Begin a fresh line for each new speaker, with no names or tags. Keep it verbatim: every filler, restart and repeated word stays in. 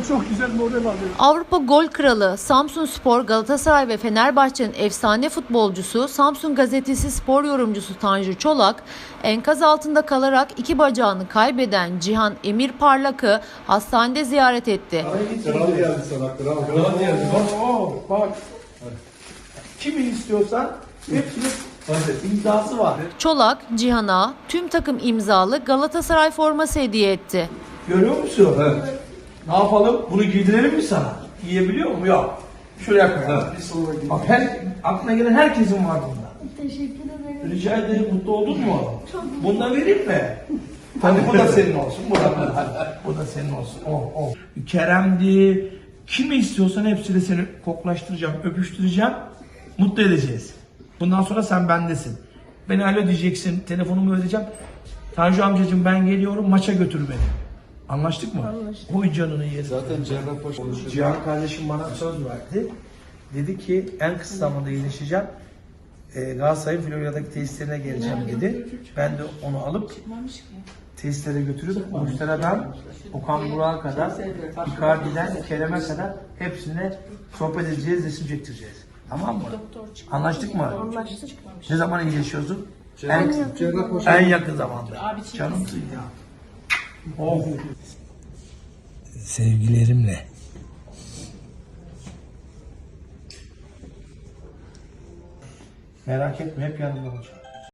çok güzel moral alıyor.
Avrupa gol kralı Samsunspor, Galatasaray ve Fenerbahçe'nin efsane futbolcusu, Samsun Gazetesi spor yorumcusu Tanju Çolak, enkaz altında kalarak iki bacağını kaybeden Cihan Emir Parlak'ı hastanede ziyaret etti.
Kral geldi sana, kral. Kral geldi bak.
Oo, bak. Kimi istiyorsan hepsinin imzası var.
Çolak, Cihan'a tüm takım imzalı Galatasaray forması hediye etti.
Görüyor musun?
Evet.
Ne yapalım? Bunu giydirelim mi sana? Giyebiliyor mu? Yok. Şuraya koyalım. Bak her, aklına gelen herkesin var bunda.
Teşekkür ederim.
Rica ederim. Mutlu oldun mu? Bundan vereyim mi? Hadi bu da senin olsun. Bu da, hadi, bu da senin olsun. Oh, oh. Kerem'di. Kimi istiyorsan hepsiyle seni koklaştıracağım, öpüştüreceğim. Mutlu edeceğiz. Bundan sonra sen bendesin. Beni alo diyeceksin. Telefonumu vereceğim. Tanju amcacığım ben geliyorum. Maça götür beni. Anlaştık mı?
Anlaştık.
Oy canını yerim.
Zaten Cerrahpaşa konuşuyor.
Cihan kardeşim bana söz verdi. Dedi ki en kısa zamanda iyileşeceğim. Ee, Galatasaray'ın Florya'daki tesislerine geleceğim dedi. Ben de onu alıp tesislere götürüp Mustafa'dan Okan Burak'a kadar, Icardi'den Kerem'e kadar hepsine sohbet edeceğiz, resim çektireceğiz. Tamam mı? Anlaştık mı?
Anlaştık.
Ne zaman iyileşiyorsun? En,
Cerrahpaşa.
en yakın zamanda. Canımsın ya. Oh. Sevgilerimle. Merak etme, hep yanında olacağım.